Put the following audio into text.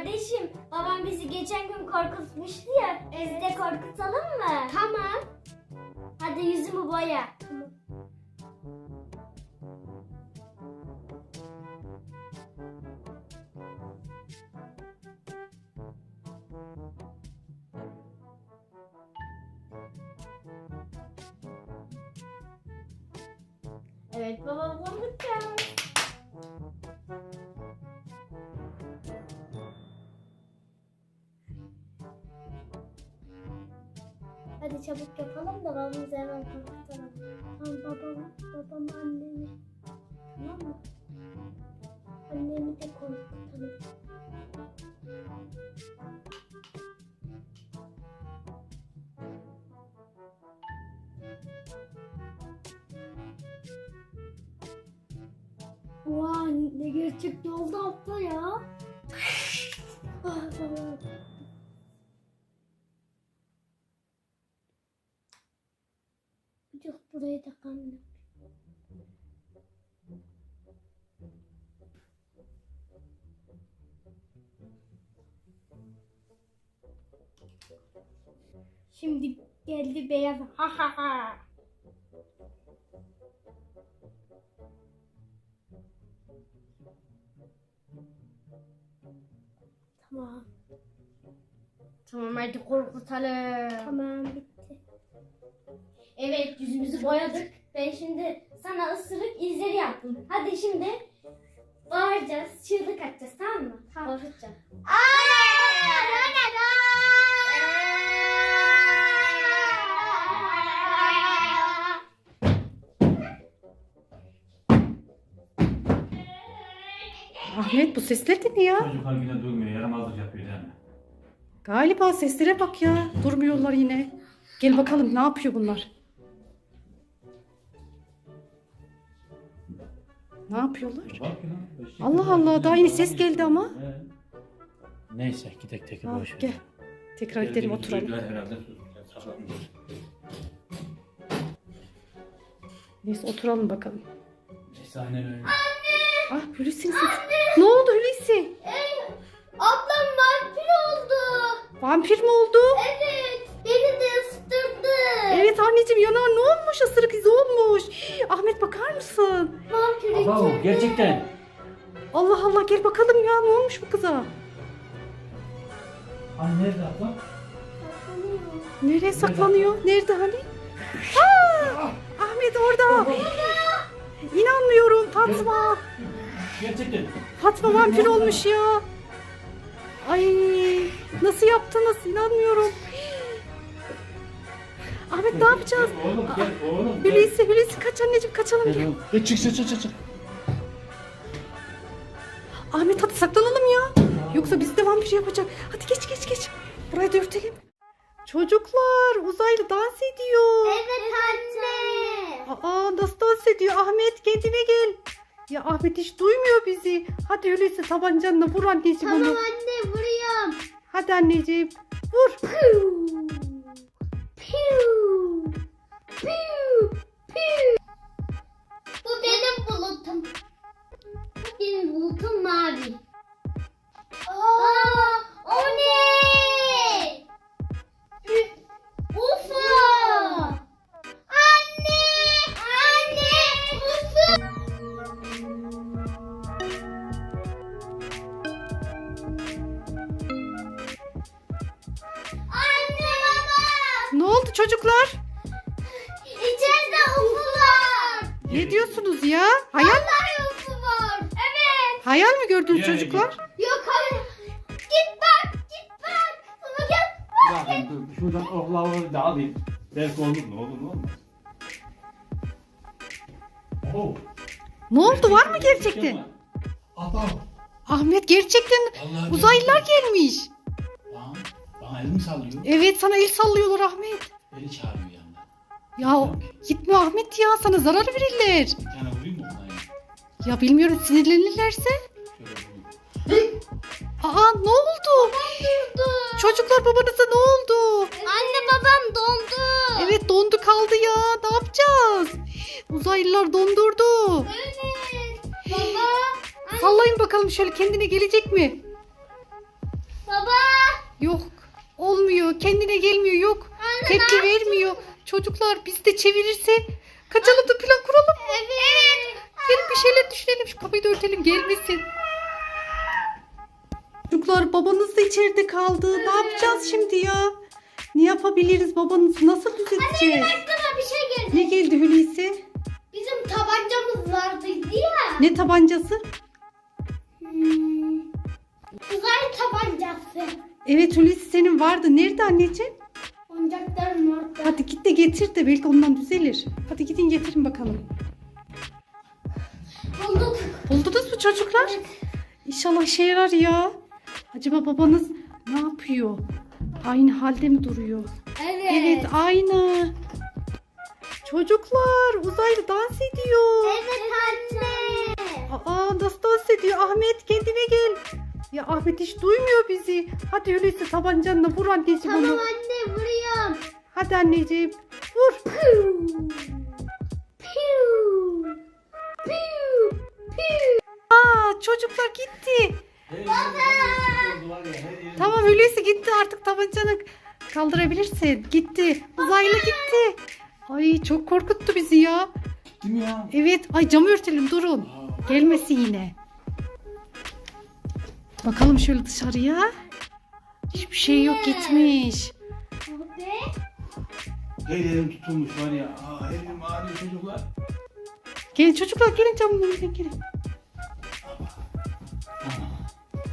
Kardeşim, babam bizi geçen gün korkutmuştu ya. Biz de korkutalım mı? Tamam. Hadi yüzümü boya. Tamam. Evet baba, korkutacağım. Hadi çabuk yapalım da babamızı hemen korkutalım. Tamam babam annemi. Tamam mı? Annemi de korkutalım. Vay ne gerçekten oldu abla ya. Ah, tamam. Yok burayı da kanlı. Şimdi geldi beyaz. Ha ha ha. Tamam. Tamam hadi korkutalım. Tamam bitti. Evet yüzümüzü boyadık. Ben şimdi sana ısırık izleri yaptım. Hadi şimdi bağıracağız, çığlık atacağız tamam mı? Tamam. Korkutacağım. Ahmet bu sesler de ne ya? Çocuklar yine durmuyor, yaramazlık yapıyor değil mi? Galiba seslere bak ya. Durmuyorlar yine. Gel bakalım ne yapıyor bunlar? Ne yapıyorlar? Bak ya. eşek Allah kadar Allah, güzel daha yeni bir ses adam geldi geçiyor. ama. He. Neyse gidek tek Ha, boş ver. gel. Tekrar gidelim Geldiğimiz oturalım. duydular herhalde, susacağız, saklanacağız. Neyse oturalım bakalım. Neyse aynen öyle. Ah Hulusi'nin sesi. Ne oldu Hulusi? Ablam vampir oldu. Vampir mi oldu? Evet. Beni de ısıtırdı. Evet anneciğim yanar ne olmuş? Isırık izi olmuş. Ahmet bakar mısın? Vampir Aba içeride. gerçekten. Allah Allah gel bakalım ya ne olmuş bu kıza? Hani nerede abla? Nereye saklanıyor? Nerede hani? Aa! Ahmet orada. İnanmıyorum Fatma. Gerçekten. Fatma vampir olmuş ya. Ay nasıl yaptınız inanmıyorum. Ahmet ne yapacağız? Oğlum gel oğlum. Gel. Hulusi kaç anneciğim kaçalım gel. Gel çık. Ahmet hadi saklanalım ya. Yoksa bizi de vampir yapacak. Hadi geç. Burayı da örtelim. Çocuklar uzaylı dans ediyor. Evet anne. Aa nasıl dans ediyor Ahmet kendine gel. Ya Ahmet hiç duymuyor bizi. Hadi öyleyse tabancanla vur anneciğim Tamam onu. anne vuruyorum. Hadi anneciğim vur. Piu. Piu. Piu. Piu. Bu benim bulutum. Benim bulutum mavi. Aa, o ne? UFO. Anne. UFO. Anne baba. Ne oldu çocuklar? İçeride UFO var. Ne diyorsunuz ya? Hayal Vallahi UFO var. Evet. hayal mi gördünüz Yani çocuklar? Yok hayır. Git bak. Ama gel. Ya dur şuradan oklavayı da alayım. Belki olur mu olmaz. Oo. Ne oldu var mı gerçekten? Aba. Ahmet gerçekten Vallahi uzaylılar gelmiş. Bana elimi sallıyor. Evet sana el sallıyorlar Ahmet. Beni çağırıyor yanına. Ya gitme Ahmet ya sana zarar verirler. Bir tane vurayım mı ona ya? Ya bilmiyorum sinirlenirlerse. Şöyle vurayım. Aa ne oldu? Çocuklar babanıza ne oldu? Anne babam dondu. Evet dondu kaldı ya. Ne yapacağız? Uzaylılar dondurdu. Evet. Baba. Sallayın bakalım şöyle kendine gelecek mi? Yok. Olmuyor. Kendine gelmiyor. Yok. Tepki vermiyor. Çocuklar biz de çevirirse kaçalım da plan kuralım mı? Evet. Gelin bir şeyler düşünelim. Şu kapıyı da örtelim gelmesin. Çocuklar babanız da içeride kaldı. Ne yapacağız şimdi ya? Ne yapabiliriz? Babanızı nasıl düzelteceğiz? Aklıma bir şey geldi. Ne geldi Hulusi? Bizim tabancamız vardı ya. Ne tabancası? Uzay tabancası. Evet Hulusi senin vardı. Nerede anneciğim? Oyuncaklarım orada. Hadi git de getir de belki ondan düzelir. Hadi gidin getirin bakalım. Bulduk. Buldunuz mu çocuklar? İnşallah işe yarar ya. Acaba babanız ne yapıyor? Aynı halde mi duruyor? Evet aynı. Çocuklar uzaylı dans ediyor. Evet anne. Aa nasıl dans ediyor? Ahmet kendine gel. Ya Ahmet hiç duymuyor bizi. Hadi öyleyse tabancanla vur anneciğim onu. Anne vuruyorum. Hadi anneciğim vur. Aa çocuklar gitti. Tamam öyleyse gitti artık tabancanı kaldırabilirsin. Gitti. Uzaylı gitti. Ay çok korkuttu bizi ya. Değil mi ya? Evet. Ay camı örtelim durun. Gelmesin yine. Bakalım şöyle dışarıya. Hiçbir şey yok gitmiş. Elim tutulmuş var ya. Elim ağrıyor çocuklar. Gelin çocuklar gelin camın önüne gelin.